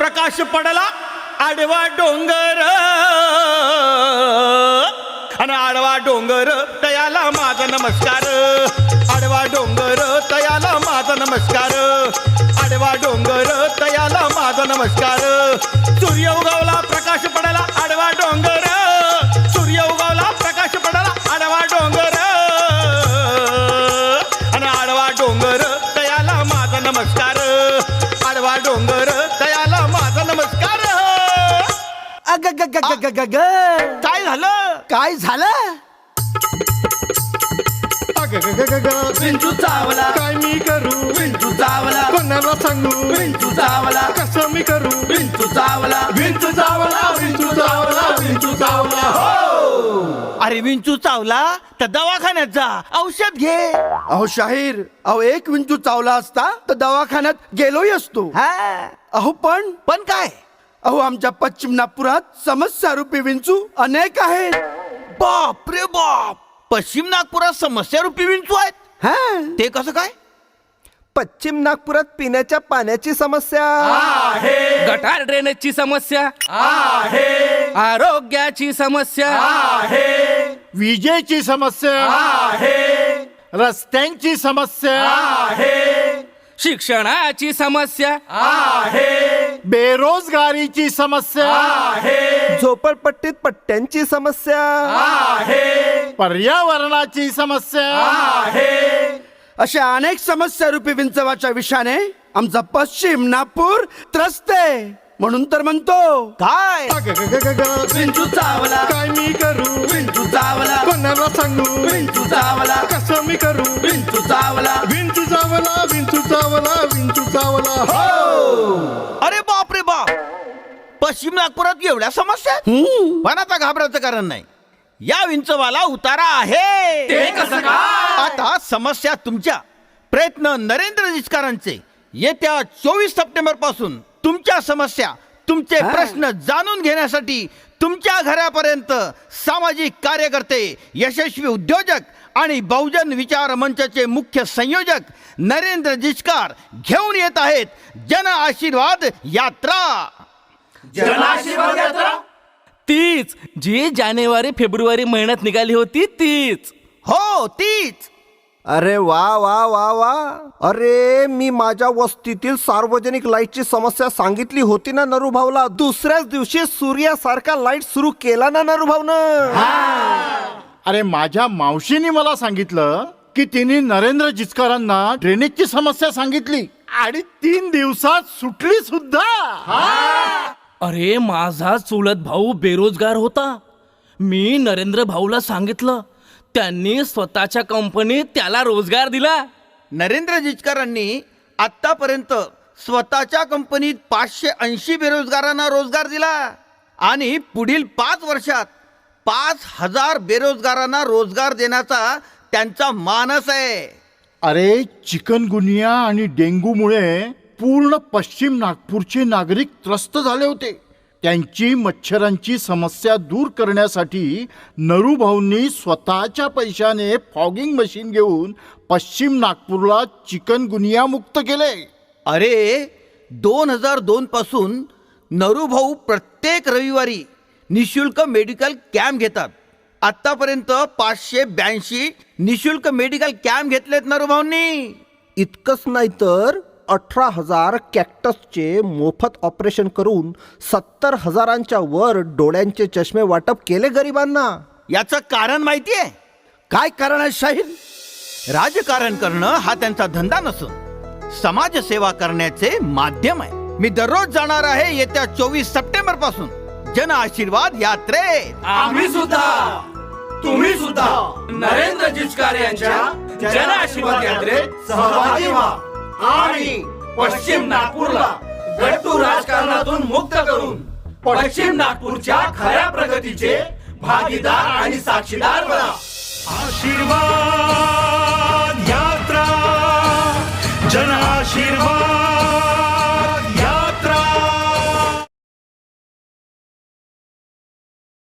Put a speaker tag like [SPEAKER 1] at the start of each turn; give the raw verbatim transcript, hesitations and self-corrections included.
[SPEAKER 1] प्रकाश पडला आडवा डोंगर आणि आडवा डोंगर तयाला माझा नमस्कार आडवा डोंगर तयाला माझा नमस्कार आडवा डोंगर तयाला माझा नमस्कार सूर्य उगवला प्रकाश पडला आडवा डोंगर सूर्य उगवला प्रकाश पडला आडवा डोंगर आणि आडवा डोंगर तयाला माझा नमस्कार आडवा डोंगर तयाला माझा नमस्कार.
[SPEAKER 2] अग ग ग ग ग ग ग.
[SPEAKER 1] काय झालं
[SPEAKER 2] काय झालं?
[SPEAKER 3] अग ग ग ग ग.
[SPEAKER 4] विंचू चावला
[SPEAKER 3] काय मी करू
[SPEAKER 4] विंचू चावला
[SPEAKER 3] कोणाला सांगू
[SPEAKER 4] विंचू चावला
[SPEAKER 3] कसं मी करू
[SPEAKER 4] विंचू चावला विंचू चावला विंचू चावला विंचू चावला हो.
[SPEAKER 1] अरे विंचू चावला तर दवाखान्यात जा औषध घे.
[SPEAKER 2] अहो शाहीर, अहो एक विंचू चावला असता तर दवाखान्यात गेलोही असतो.
[SPEAKER 1] हा
[SPEAKER 2] अहो पण
[SPEAKER 1] पण काय
[SPEAKER 2] अहो आमच्या पश्चिम नागपुरात समस्या रूपी विंचू अनेक आहेत.
[SPEAKER 1] बाप रे बाप पश्चिम नागपुरात समस्या रूपी विंचू आहेत.
[SPEAKER 2] हा
[SPEAKER 1] ते कसं काय?
[SPEAKER 5] पश्चिम नागपुरात पिण्याच्या पाण्याची समस्या
[SPEAKER 4] आहे
[SPEAKER 6] गटार ड्रेनेजची समस्या
[SPEAKER 4] आहे
[SPEAKER 6] आरोग्याची समस्या
[SPEAKER 4] आहे
[SPEAKER 3] विजेची समस्या
[SPEAKER 4] आहे
[SPEAKER 3] रस्त्यांची समस्या
[SPEAKER 4] आहे
[SPEAKER 6] शिक्षणाची समस्या
[SPEAKER 4] आहे
[SPEAKER 3] बेरोजगारीची समस्या
[SPEAKER 4] आहे
[SPEAKER 5] झोपडपट्टीत पट्ट्यांची समस्या
[SPEAKER 4] आहे
[SPEAKER 3] पर्यावरणाची समस्या
[SPEAKER 4] आहे
[SPEAKER 2] अशा अनेक समस्या रूपी विंचवाच्या विषाने आमचा पश्चिम नागपूर त्रस्त आहे. म्हणून तर म्हणतो
[SPEAKER 1] काय
[SPEAKER 3] अग ग ग ग ग.
[SPEAKER 4] विंचू चावला
[SPEAKER 3] काय मी करू
[SPEAKER 4] विंचू चावला
[SPEAKER 3] कोणाला सांगू
[SPEAKER 4] विंचू चावला
[SPEAKER 3] कसं मी करू
[SPEAKER 4] विंचू चावला
[SPEAKER 3] विंचू चावला विंचू चावला विंचू चावला हो.
[SPEAKER 1] अरे बाप रे बाप पश्चिम नागपुरात एवढ्या समस्या आहेत? पण आता घाबरायचं कारण नाही. या विंचवाला उतारा आहे.
[SPEAKER 4] ते कसं काय?
[SPEAKER 1] आता समस्या तुमच्या प्रयत्न नरेंद्र जिचकारांचे येत्या चोवीस सप्टेंबर पासून तुमच्या समस्या तुमचे प्रश्न जाणून घेण्यासाठी तुमच्या घरापर्यंत सामाजिक कार्यकर्ते यशस्वी उद्योजक आणि बहुजन विचार मंचाचे मुख्य संयोजक नरेंद्र जिचकार घेऊन येत आहेत जन आशीर्वाद यात्रा.
[SPEAKER 4] जनाशीर्वाद यात्रा
[SPEAKER 6] तीच जी जानेवारी फेब्रुवारी महिन्यात निघाली होती तीच.
[SPEAKER 1] हो तीच.
[SPEAKER 5] अरे वा वा वा वा. अरे मी माझ्या वस्तीतील सार्वजनिक लाईटची समस्या सांगितली होती ना नरूभाऊला. दुसऱ्याच दिवशी सूर्यासारखा लाईट सुरू केला ना नरूभाऊनं.
[SPEAKER 3] अरे माझ्या मावशीने मला सांगितलं की तिने नरेंद्र जिचकारांना ड्रेनेजची समस्या सांगितली आणि तीन दिवसात सुटली सुद्धा.
[SPEAKER 6] अरे माझा चुलत भाऊ बेरोजगार होता. मी नरेंद्र भाऊला सांगितलं, त्यांनी स्वतःच्या कंपनीत त्याला रोजगार दिला.
[SPEAKER 1] नरेंद्र जिचकारांनी आतापर्यंत स्वतःच्या कंपनीत पाचशे ऐंशी बेरोजगारांना रोजगार दिला आणि पुढील पाच वर्षात पाच हजार बेरोजगारांना रोजगार देण्याचा त्यांचा मानस आहे.
[SPEAKER 3] अरे चिकनगुनिया आणि डेंग्यूमुळे पूर्ण पश्चिम नागपूरचे नागरिक त्रस्त झाले होते. त्यांची मच्छरांची समस्या दूर करण्यासाठी नरूभाऊंनी स्वतःच्या पैशाने फॉगिंग मशीन घेऊन पश्चिम नागपूरला चिकनगुनिया मुक्त केले.
[SPEAKER 1] अरे दोन हजार दोन पासून नरूभाऊ प्रत्येक रविवारी निशुल्क मेडिकल कॅम्प घेतात. आतापर्यंत पाचशे ब्याऐंशी निशुल्क मेडिकल कॅम्प घेतलेत नरूभाऊंनी.
[SPEAKER 5] इतकंच नाही तर अठरा हजार कॅक्टसचे मोफत ऑपरेशन करून सत्तर हजारांच्या वर डोळ्यांचे चष्मे वाटप केले गरिबांना.
[SPEAKER 1] याचं कारण माहितीये?
[SPEAKER 2] काय कारण आहे शाहीर?
[SPEAKER 1] राजकारण करणं हा त्यांचा धंदा नसून समाजसेवा करण्याचे माध्यम आहे. मी दररोज जाणार आहे येत्या चोवीस सप्टेंबर पासून जन आशीर्वाद यात्रेत.
[SPEAKER 4] आम्ही सुद्धा तुम्ही सुद्धा नरेंद्र जिचकार यांच्या जन आशीर्वाद यात्रेत सहभागी व्हा आणि पश्चिम नागपूरला गट्टू राजकारणातून मुक्त करून पश्चिम नागपूरच्या खऱ्या प्रगतीचे भागीदार आणि साक्षीदार बना.
[SPEAKER 7] आशीर्वाद यात्रा जन आशीर्वाद